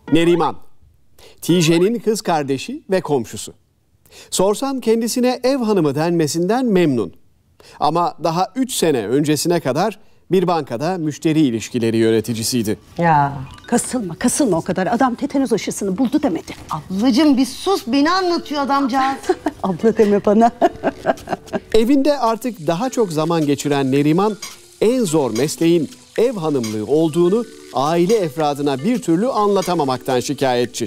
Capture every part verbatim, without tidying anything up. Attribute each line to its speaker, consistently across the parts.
Speaker 1: Neriman, Tijen'in kız kardeşi ve komşusu. Sorsan kendisine ev hanımı denmesinden memnun. Ama daha üç sene öncesine kadar bir bankada müşteri ilişkileri yöneticisiydi.
Speaker 2: Ya kasılma kasılma o kadar. Adam tetanoz aşısını buldu demedi.
Speaker 3: Ablacığım bir sus, beni anlatıyor adamcağız.
Speaker 2: Abla deme bana.
Speaker 1: Evinde artık daha çok zaman geçiren Neriman, en zor mesleğin ev hanımlığı olduğunu aile efradına bir türlü anlatamamaktan şikayetçi.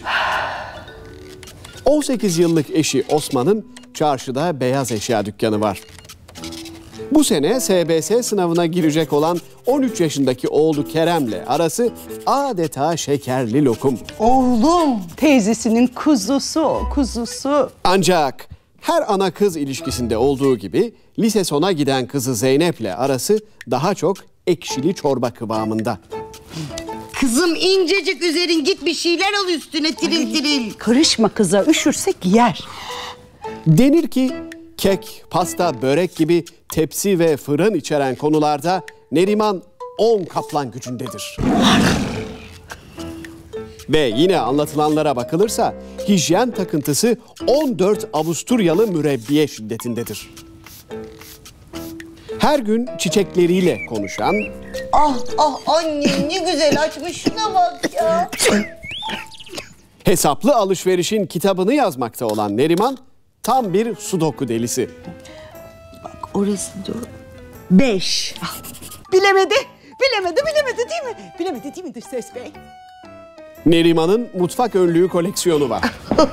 Speaker 1: on sekiz yıllık eşi Osman'ın çarşıda beyaz eşya dükkanı var. Bu sene S B S sınavına girecek olan on üç yaşındaki oğlu Kerem'le arası adeta şekerli lokum.
Speaker 3: Oğlum.
Speaker 2: Teyzesinin kuzusu o kuzusu.
Speaker 1: Ancak her ana kız ilişkisinde olduğu gibi lise sona giden kızı Zeynep'le arası daha çok ekşili çorba kıvamında.
Speaker 3: Kızım incecik üzerin, git bir şeyler al üstüne tiril tiril.
Speaker 2: Karışma kıza, üşürsek yer.
Speaker 1: Denir ki kek, pasta, börek gibi tepsi ve fırın içeren konularda Neriman on kaplan gücündedir. Ve yine anlatılanlara bakılırsa hijyen takıntısı on dört Avusturyalı mürebbiye şiddetindedir. Her gün çiçekleriyle konuşan...
Speaker 3: Ah ah annem ne güzel açmış, şuna bak ya.
Speaker 1: Hesaplı alışverişin kitabını yazmakta olan Neriman tam bir sudoku delisi.
Speaker 3: Bak orası dur.
Speaker 2: Beş. Bilemedi, bilemedi, bilemedi değil mi? Bilemedi değil mi dış ses bey?
Speaker 1: Neriman'ın mutfak önlüğü koleksiyonu var.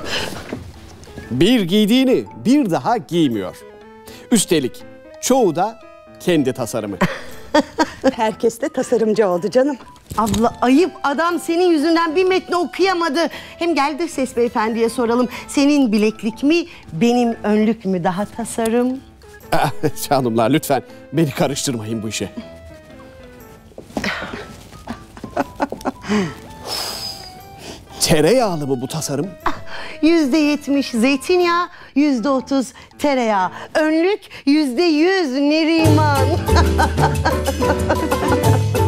Speaker 1: Bir giydiğini bir daha giymiyor. Üstelik çoğu da kendi tasarımı.
Speaker 2: Herkes de tasarımcı oldu canım.
Speaker 3: Abla ayıp, adam senin yüzünden bir metni okuyamadı. Hem gel de ses beyefendiye soralım. Senin bileklik mi, benim önlük mü daha tasarım?
Speaker 1: Canımlar lütfen beni karıştırmayın bu işe. Tereyağlı mı bu tasarım?
Speaker 3: Yüzde yetmiş zeytinyağı, yüzde otuz tereyağı. Önlük yüzde yüz Neriman.